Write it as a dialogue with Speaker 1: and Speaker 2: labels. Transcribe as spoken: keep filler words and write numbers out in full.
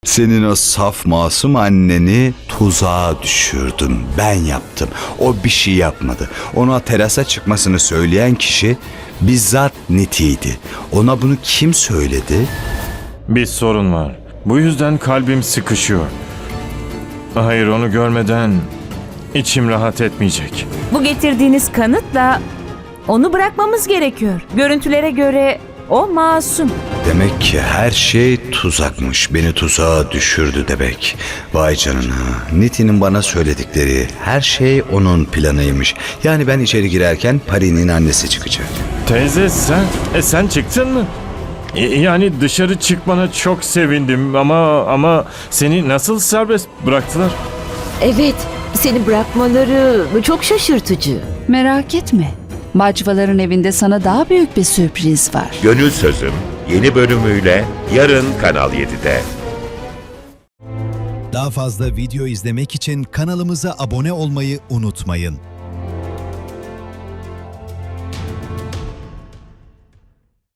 Speaker 1: Senin o saf masum anneni tuzağa düşürdüm. Ben yaptım. O bir şey yapmadı. Ona terasa çıkmasını söyleyen kişi bizzat Niti'ydi. Ona bunu kim söyledi?
Speaker 2: Bir sorun var. Bu yüzden kalbim sıkışıyor. Hayır, onu görmeden içim rahat etmeyecek.
Speaker 3: Bu getirdiğiniz kanıtla onu bırakmamız gerekiyor. Görüntülere göre o masum.
Speaker 1: Demek ki her şey tuzakmış. Beni tuzağa düşürdü demek. Vay canına. Niti'nin bana söyledikleri her şey onun planıymış. Yani ben içeri girerken Pari'nin annesi çıkacak.
Speaker 2: Teyze sen, e sen çıktın mı? E, yani dışarı çıkmana çok sevindim ama ama seni nasıl serbest bıraktılar?
Speaker 4: Evet, seni bırakmaları çok şaşırtıcı.
Speaker 5: Merak etme. Bacvaların evinde sana daha büyük bir sürpriz var.
Speaker 6: Gönül Sözüm yeni bölümüyle yarın Kanal yedide.
Speaker 7: Daha fazla video izlemek için kanalımıza abone olmayı unutmayın.